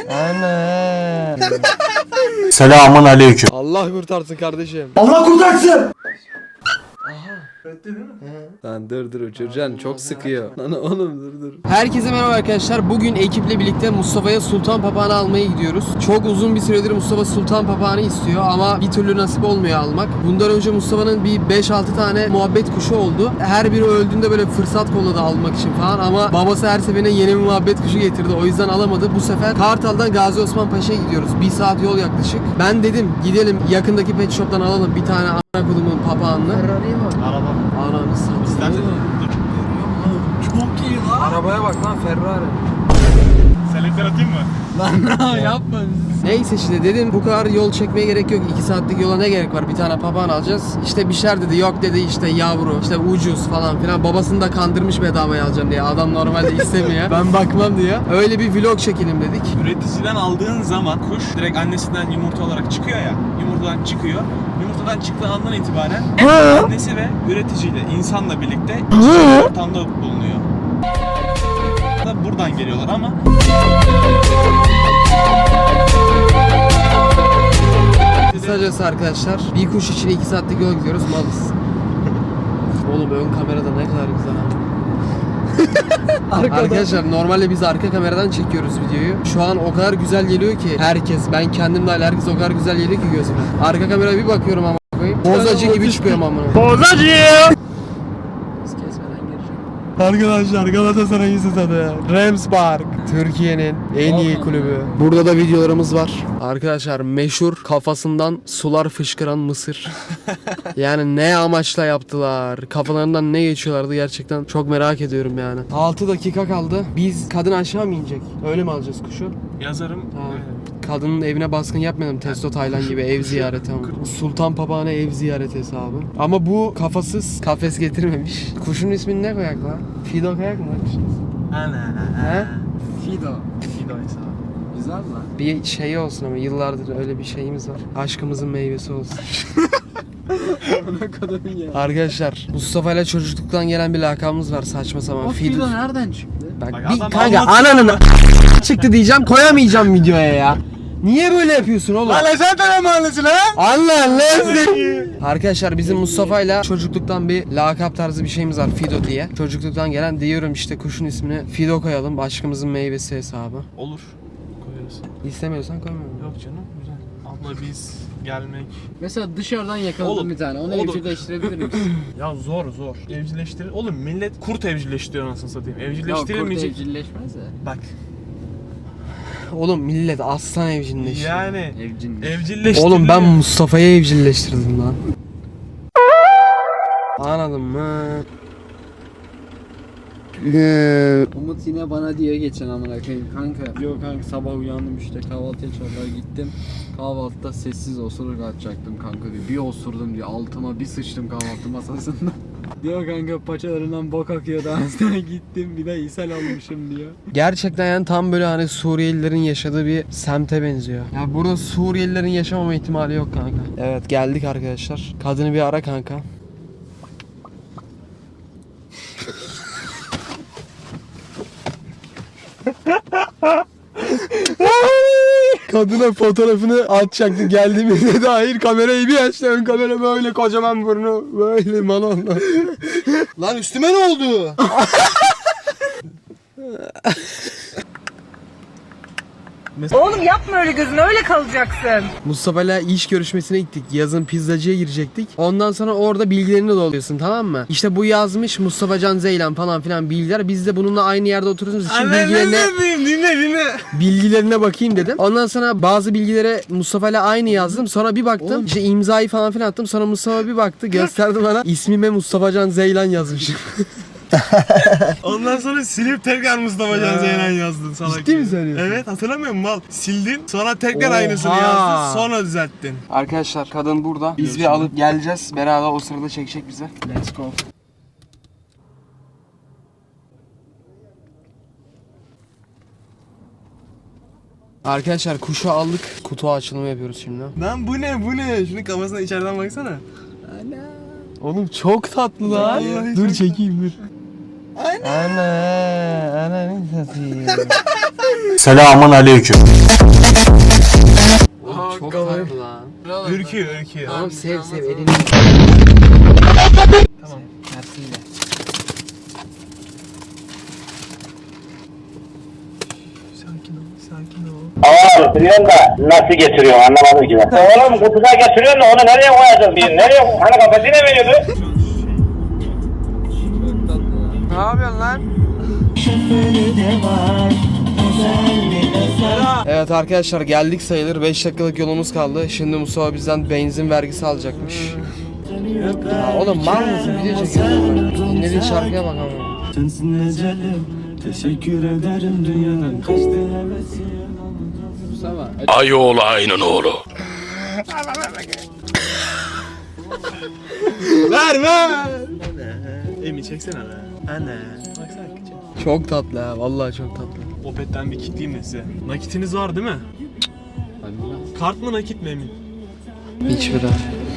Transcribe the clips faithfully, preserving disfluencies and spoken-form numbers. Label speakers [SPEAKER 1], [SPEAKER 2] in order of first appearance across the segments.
[SPEAKER 1] Ana.
[SPEAKER 2] Selamun aleyküm.
[SPEAKER 1] Allah kurtarsın kardeşim.
[SPEAKER 2] Allah kurtarsın.
[SPEAKER 1] Lan dur dur uçuracaksın, çok sıkıyor. Lan oğlum dur dur. Herkese merhaba arkadaşlar. Bugün ekiple birlikte Mustafa'ya sultan papağanı almaya gidiyoruz. Çok uzun bir süredir Mustafa sultan papağanı istiyor ama bir türlü nasip olmuyor almak. Bundan önce Mustafa'nın bir beş altı tane muhabbet kuşu oldu. Her biri öldüğünde böyle fırsat kolladı almak için falan ama babası her seferine yeni bir muhabbet kuşu getirdi. O yüzden alamadı. Bu sefer Kartal'dan Gazi Osman Paşa'ya gidiyoruz. Bir saat yol yaklaşık. Ben dedim gidelim yakındaki pet shop'tan alalım bir tane ana kulumun papağanını.
[SPEAKER 3] Ferrari'ye bak.
[SPEAKER 4] Araba.
[SPEAKER 1] Ananı satayım.
[SPEAKER 3] Çok iyi lan.
[SPEAKER 1] Arabaya bak lan, Ferrari.
[SPEAKER 4] Selektör atayım mı?
[SPEAKER 3] Lan yapma.
[SPEAKER 1] Neyse işte dedim bu kadar yol çekmeye gerek yok. iki saatlik yola ne gerek var? Bir tane papağan alacağız. İşte bir şeyler dedi. Yok dedi işte yavru. İşte ucuz falan filan. Babasını da kandırmış bedavaya alacağım diye. Adam normalde istemiyor. Ben bakmam diye. Öyle bir vlog çekelim dedik.
[SPEAKER 4] Üreticiden aldığın zaman kuş direkt annesinden yumurta olarak çıkıyor ya. Yumurtadan çıkıyor. Yumurtadan çıktığı andan itibaren annesi ve üreticiyle, insanla birlikte içeri ortamda bulunuyor. Da buradan geliyorlar ama
[SPEAKER 1] Kısacası arkadaşlar bir kuş için iki saatlik yol gidiyoruz. Malız. Oğlum ön kamerada ne kadar güzel abi. Arkadaşlar normalde biz arka kameradan çekiyoruz videoyu. Şu an o kadar güzel geliyor ki herkes, ben kendim dahil herkes o kadar güzel geliyor ki gözüme. Arka kameraya bir bakıyorum ama koyayım. Bozacı gibi çıkıyorum amına.
[SPEAKER 4] Bozacı!
[SPEAKER 3] Kesmeden girecek.
[SPEAKER 1] Arkadaşlar Galatasaray'ın stadı Rams Park, Türkiye'nin en iyi kulübü. Burada da videolarımız var. Arkadaşlar meşhur kafasından sular fışkıran mısır. Yani ne amaçla yaptılar? Kafalarından ne geçiyorlardı gerçekten çok merak ediyorum yani. altı dakika kaldı. Biz kadın aşağı mı inecek? Öyle mi alacağız kuşu?
[SPEAKER 4] Yazarım.
[SPEAKER 1] Tamam. Kadının evine baskın yapmayalım. Testo Taylan gibi ev ziyareti ama. Sultan papağanı ev ziyareti hesabı. Ama bu kafasız kafes getirmemiş. Kuşun ismini ne koyak lan? Fido koyak mı lan kuşun ismi?
[SPEAKER 4] Ana.
[SPEAKER 1] He?
[SPEAKER 3] Fido.
[SPEAKER 4] Fido hesabı.
[SPEAKER 3] Güzel lan.
[SPEAKER 1] Bir şey olsun ama yıllardır öyle bir şeyimiz var. Aşkımızın meyvesi olsun.
[SPEAKER 3] Ne kadar ya.
[SPEAKER 1] Arkadaşlar Mustafa ile çocukluktan gelen bir lakabımız var saçma sapan.
[SPEAKER 3] O
[SPEAKER 1] Fido.
[SPEAKER 3] Fido nereden çıktı?
[SPEAKER 1] Bak,
[SPEAKER 4] Bak
[SPEAKER 1] bir
[SPEAKER 4] adam
[SPEAKER 1] kanka
[SPEAKER 4] anlatıyor
[SPEAKER 1] ananın çıktı diyeceğim, koyamayacağım videoya ya. Niye böyle yapıyorsun oğlum?
[SPEAKER 4] Lan sen de mi anlasın lan?
[SPEAKER 1] Allah Allah. Arkadaşlar bizim Mustafa'yla çocukluktan bir lakap tarzı bir şeyimiz var, Fido diye. Çocukluktan gelen diyorum işte kuşun ismini Fido koyalım, aşkımızın meyvesi hesabı.
[SPEAKER 4] Olur. Koyarız.
[SPEAKER 1] İstemiyorsan koymuyorum.
[SPEAKER 4] Yok canım, güzel. Abla biz gelmek.
[SPEAKER 3] Mesela dışarıdan yakaladım
[SPEAKER 4] Oğlum,
[SPEAKER 3] bir tane. Onu
[SPEAKER 4] oğlum.
[SPEAKER 3] evcilleştirebilir misin?
[SPEAKER 4] Ya zor zor. Evcilleştirir. Oğlum millet kurt evcilleştiriyor anasını satayım.
[SPEAKER 3] Yok kurt
[SPEAKER 4] Evcilleştirilmeyecek.
[SPEAKER 3] evcilleşmez de.
[SPEAKER 4] Bak.
[SPEAKER 1] Oğlum millet aslan evcilleştiriyor.
[SPEAKER 4] Yani
[SPEAKER 3] Evcilleş.
[SPEAKER 4] evcilleştiriliyor.
[SPEAKER 1] Oğlum ben Mustafa'yı evcilleştirdim lan. Anladın mı?
[SPEAKER 3] Umut yine bana diye geçen amına koyayım kanka. Yok kanka sabah uyandım işte kahvaltıya çağırdılar gittim. Kahvaltıda sessiz osuruk atacaktım kanka diyor. Bir osurdum diyor altıma bir sıçtım kahvaltı masasında. Diyor kanka paçalarından bok akıyor daha sonra gittim bir de ishal almışım diyor.
[SPEAKER 1] Gerçekten yani tam böyle hani Suriyelilerin yaşadığı bir semte benziyor. Ya burada Suriyelilerin yaşamama ihtimali yok kanka. Evet geldik arkadaşlar. Kadını bir ara kanka. Kadına fotoğrafını atacaktı, geldiğimizde dair kamerayı bir açtı, ön kamera böyle kocaman burnu böyle malonla. Lan üstüme ne oldu?
[SPEAKER 5] Oğlum yapma öyle, gözün öyle kalacaksın.
[SPEAKER 1] Mustafa'yla iş görüşmesine gittik. Yazın pizzacıya girecektik. Ondan sonra orada bilgilerini doluyorsun, tamam mı? İşte bu yazmış Mustafa Can Zeylan falan filan bilgiler. Biz de bununla aynı yerde oturduğumuz için bilgilerine,
[SPEAKER 4] dinle dinle.
[SPEAKER 1] bilgilerine bakayım dedim. Ondan sonra bazı bilgilere Mustafa'yla aynı yazdım. Sonra bir baktım.
[SPEAKER 3] Oğlum.
[SPEAKER 1] İşte imzayı falan filan attım. Sonra Mustafa bir baktı. Gösterdi bana. İsmime Mustafa Can Zeylan yazmışım.
[SPEAKER 4] Ondan sonra silip tekrar Mustafa Can Zeylan yazdın salak.
[SPEAKER 1] Ciddi mi
[SPEAKER 4] ya.
[SPEAKER 1] söylüyorsun?
[SPEAKER 4] Evet, hatırlamıyor musun mal? Sildin, sonra tekrar
[SPEAKER 1] Oha.
[SPEAKER 4] aynısını yazdın, sonra düzelttin.
[SPEAKER 1] Arkadaşlar kadın burada. Biz bir alıp geleceğiz. Beraber o sırada çekecek bize. Let's go. Arkadaşlar kuşu aldık. Kutu açılımı yapıyoruz şimdi.
[SPEAKER 4] Lan bu ne bu ne? Şunun kafasına içeriden baksana.
[SPEAKER 1] Oğlum çok tatlı lan.
[SPEAKER 4] Vallahi
[SPEAKER 1] Dur
[SPEAKER 4] çok
[SPEAKER 1] çekeyim dur.
[SPEAKER 4] Ay
[SPEAKER 1] Ana, ananı satayım.
[SPEAKER 2] Selamun aleyküm.
[SPEAKER 1] Çok tatlı lan.
[SPEAKER 4] Ürküyor, ürküyor.
[SPEAKER 1] Tamam sev sev elini. Tamam. Tersiyle.
[SPEAKER 4] Sakin ol, sakin ol.
[SPEAKER 6] Hava getiriyorsun da nasıl getiriyorsun anlamadım ki ben. Oğlum kutuda getiriyorsun da onu nereye koyacağız bir nereye? Hani kafasına veriyordu?
[SPEAKER 1] Ne yapıyorsun lan? Evet arkadaşlar geldik sayılır. beş dakikalık yolumuz kaldı. Şimdi Mustafa bizden benzin vergisi alacakmış. Ya oğlum mal mısın? Video çekiyorsun. Dinlediğin şarkıya bak ama.
[SPEAKER 7] Sensin ecelim, teşekkür ederim dünyadan kaçtı hevesi.
[SPEAKER 1] Mustafa.
[SPEAKER 2] Ayoğlu ayının oğlu.
[SPEAKER 4] Ver ver. Emi çeksene be. Anne. Baksana küçük.
[SPEAKER 1] Çok tatlı ha. Vallahi çok tatlı.
[SPEAKER 4] Opet'ten bir kitleyeyim de size. Nakitiniz var değil mi? Kart mı nakit mi Emin?
[SPEAKER 1] Hiç bira.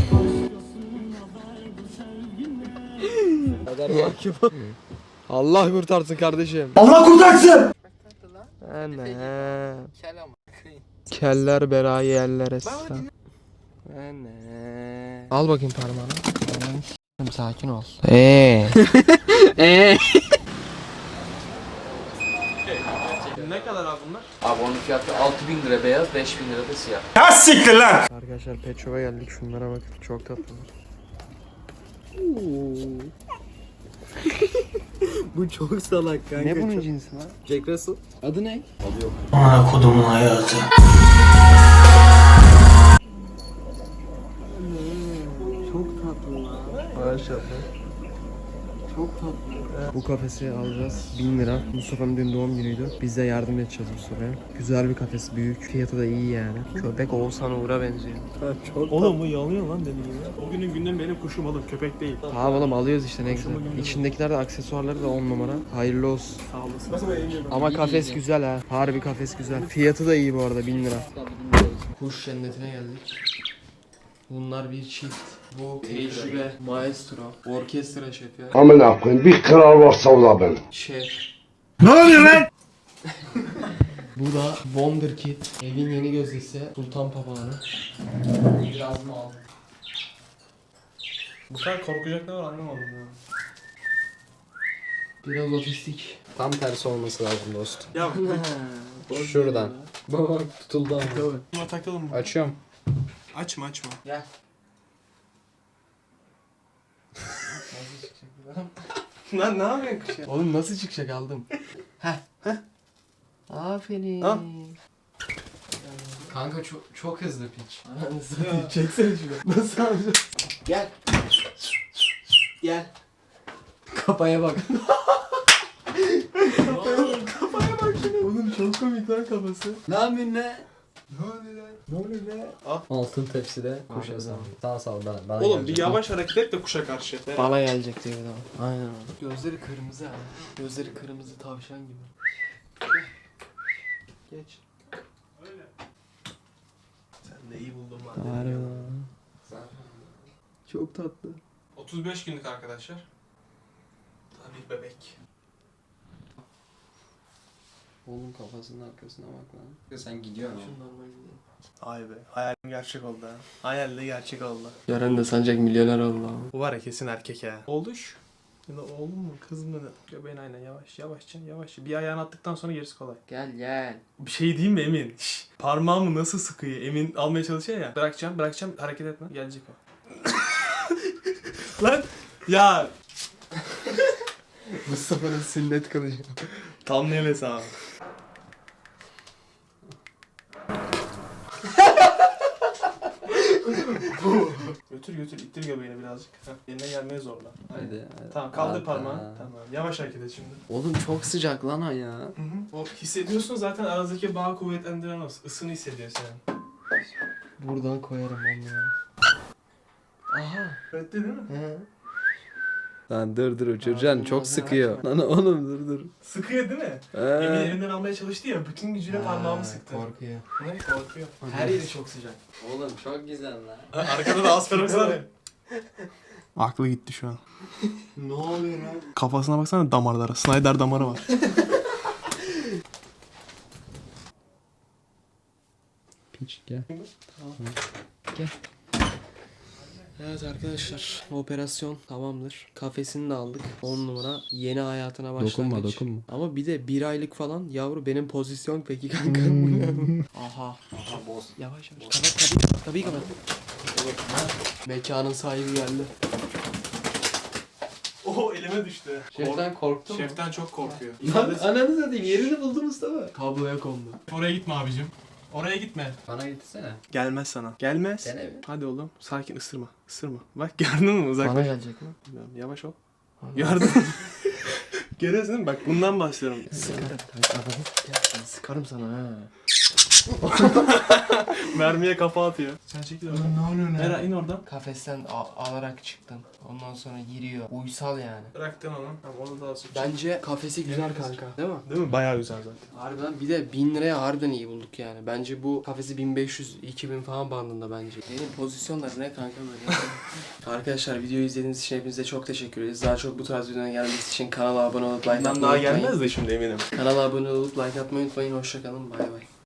[SPEAKER 1] Allah kurtarsın kardeşim.
[SPEAKER 2] Allah kurtarsın.
[SPEAKER 1] Anne. Keller berayı yerler esra. Anne. Al bakayım parmağını. Sakin ol. Eee. Eee.
[SPEAKER 4] Ne kadar abi bunlar?
[SPEAKER 3] Abi onun fiyatı altı bin lira beyaz, beş bin lira da siyah.
[SPEAKER 2] Ya siktir lan.
[SPEAKER 1] Arkadaşlar Pet Shop'a geldik. Şunlara bakın. Çok tatlılar.
[SPEAKER 3] Bu çok salak kanka.
[SPEAKER 1] Ne bunun cinsi lan?
[SPEAKER 3] Jack Russell. Adı ne?
[SPEAKER 2] Ana kodumun hayatı.
[SPEAKER 3] Çok tatlı lan.
[SPEAKER 1] Maşallah.
[SPEAKER 3] Çok tatlı.
[SPEAKER 1] Bu kafesi alacağız. bin lira. Mustafa'nın dün doğum günüydü. Biz de yardım edeceğiz Mustafa'ya. Güzel bir kafes. Büyük. Fiyatı da iyi yani. Köpek Oğuzhan Uğur'a benziyor.
[SPEAKER 3] Çok
[SPEAKER 4] Oğlum bu yanıyor lan dediğin gibi. O günün günden benim kuşum oğlum köpek değil.
[SPEAKER 1] Ha oğlum alıyoruz işte ne güzel. İçindekiler de aksesuarları da on numara. Hayırlı olsun.
[SPEAKER 4] Sağ olasın.
[SPEAKER 1] Ama kafes güzel ha. Harbi kafes güzel. Fiyatı da iyi bu arada bin lira. Kuş cennetine geldik. Bunlar bir çift. Bu tecrübe, maestro, orkestra şefi,
[SPEAKER 8] Amına koyayım bir kral varsa o da benim.
[SPEAKER 1] şef.
[SPEAKER 2] Ne oluyor lan?
[SPEAKER 1] Bu da Wonderkid. Evin yeni gözdesi. Sultan Papağanı. Biraz mı aldım?
[SPEAKER 4] Bu kadar korkacak ne var anlamadım ya.
[SPEAKER 1] Biraz otistik.
[SPEAKER 3] Tam tersi olması lazım dostum.
[SPEAKER 4] Ya
[SPEAKER 3] Şuradan. Bak tutuldu ama.
[SPEAKER 4] buna takalım mı?
[SPEAKER 3] Açıyorum.
[SPEAKER 4] Açma açma.
[SPEAKER 1] Gel.
[SPEAKER 4] Lan ne yapıyorsun kuş ya?
[SPEAKER 1] Oğlum nasıl çıkacak aldım. Heh. Heh. Aferin.
[SPEAKER 4] Al.
[SPEAKER 1] Kanka çok çok hızlı piç. Anasını çeksene şunu. Nasıl alacağız? Gel. Gel. Kafaya bak. Kafaya bak şuna. Oğlum çok komik lan kafası.
[SPEAKER 3] Ne yapıyorsun ne?
[SPEAKER 1] Ne oluyor lan? Ne oluyor lan?
[SPEAKER 3] Altın tepside kuş hesabı. Sağ sağ bana. bana
[SPEAKER 4] Oğlum bir
[SPEAKER 3] gelecek.
[SPEAKER 4] yavaş hareket et de kuşa karşı.
[SPEAKER 1] Bana gelecek diyor bir daha. Aynen öyle. Gözleri kırmızı ha. Gözleri kırmızı tavşan gibi. Geç.
[SPEAKER 4] Öyle. Sen de iyi buldun lan.
[SPEAKER 1] Harbi. Çok tatlı.
[SPEAKER 4] otuz beş günlük arkadaşlar. Tabii bebek.
[SPEAKER 3] Oğlum kafasının arkasına bak lan. Sen gidiyorsun oğlum.
[SPEAKER 1] Şundan ben gideyim.
[SPEAKER 4] Ay be hayalim gerçek oldu ha. Hayal de gerçek oldu.
[SPEAKER 1] Yarın da sancak milyoner oldu ama.
[SPEAKER 4] Bu var ya kesin erkek ha. Olduş. Ya da oğlum mu kız mı? Göbeğin aynen yavaş yavaşça yavaşça. Bir ayağını attıktan sonra gerisi kolay.
[SPEAKER 1] Gel gel.
[SPEAKER 4] Bir şey diyeyim mi Emin? Şş, parmağımı nasıl sıkıyor? Emin almaya çalışıyor ya. Bırakacağım bırakacağım hareket etme. Gelecek o. Lan ya
[SPEAKER 1] Mustafa'nın sünnet kılıcı.
[SPEAKER 4] tam ne hesabı. Götür götür ittir göbeğini birazcık. Heh, yerine gelmeye zorla.
[SPEAKER 3] Hadi. hadi.
[SPEAKER 4] Tamam kaldır
[SPEAKER 3] Aa,
[SPEAKER 4] parmağını.
[SPEAKER 3] aa.
[SPEAKER 4] Tamam yavaş hareket et şimdi.
[SPEAKER 3] Oğlum çok sıcak lan o ya.
[SPEAKER 4] Hı hı. O hissediyorsun zaten aranızdaki bağı kuvvetlendiren o. Isını hissediyor sen.
[SPEAKER 1] Buradan koyarım onu ya. Aha.
[SPEAKER 4] Öyle değil mi?
[SPEAKER 1] He.
[SPEAKER 3] Lan dur dur uçuracaksın çok sıkıyor. Lan oğlum dur dur.
[SPEAKER 4] Sıkıyor değil mi?
[SPEAKER 3] Ee.
[SPEAKER 4] Emin elinden almaya çalıştı ya. Bütün gücüyle parmağımı sıktı.
[SPEAKER 1] Korkuyor.
[SPEAKER 4] Ne korkuyor. Her yeri çok sıcak.
[SPEAKER 3] Oğlum çok güzel lan.
[SPEAKER 4] Arkada da asperox var ya. Aklı gitti şu an.
[SPEAKER 1] Ne oluyor lan?
[SPEAKER 4] Kafasına baksana damarlara. Snyder damarı var.
[SPEAKER 1] Piç gel. Tamam. Gel. Evet arkadaşlar, operasyon tamamdır. Kafesini de aldık. on numara yeni hayatına başlangıç.
[SPEAKER 9] Dokunma, dokunma.
[SPEAKER 1] Ama bir de bir aylık falan yavru benim pozisyon peki kanka. Aha. Aha boz. Yavaş yavaş. Kapat kapıyı kapat. Kapıyı kapat. Mekanın sahibi geldi.
[SPEAKER 4] Oo elime düştü.
[SPEAKER 1] Şeften korktu mu?
[SPEAKER 4] Şeften çok korkuyor.
[SPEAKER 1] Lan ananı satayım, yerini buldu Mustafa. Kabloya kondu.
[SPEAKER 4] Oraya gitme abicim. Oraya gitme.
[SPEAKER 1] Bana gitsene.
[SPEAKER 4] Gelmez sana. Gelmez.
[SPEAKER 1] Dene bir.
[SPEAKER 4] Hadi oğlum. Sakin ısırma. Isırma. Bak gördün mü uzaklaş.
[SPEAKER 1] Bana gelecek mi?
[SPEAKER 4] Bilmiyorum, yavaş ol. Gördün mü? Görüyorsun değil mi? Bak bundan bahsediyorum.
[SPEAKER 1] Sıkarım. Sıkarım sana ha.
[SPEAKER 4] Mermiye kafa atıyor. Sen çekil oradan. Ne oluyor ne? Era in oradan.
[SPEAKER 1] Kafesten a- alarak çıktım. Ondan sonra giriyor. Uysal yani.
[SPEAKER 4] Bıraktın onu. Tamam onu da alsın.
[SPEAKER 1] Bence kafesi güzel kanka. Değil mi?
[SPEAKER 4] Değil mi? Bayağı güzel zaten.
[SPEAKER 1] Harbiden bir de bin liraya harbiden iyi bulduk yani. Bence bu kafesi bin beş yüz iki bin falan bandında bence. Benim pozisyonlar ne kanka böyle. Arkadaşlar videoyu izlediğiniz için hepinize çok teşekkür ederiz. Daha çok bu tarz videoların gelmesi için kanala abone olup like atmayı
[SPEAKER 4] Bundan daha
[SPEAKER 1] unutmayın.
[SPEAKER 4] gelmez de şimdi eminim.
[SPEAKER 1] Kanala abone olup like atmayı unutmayın. Hoşçakalın. Bay bay.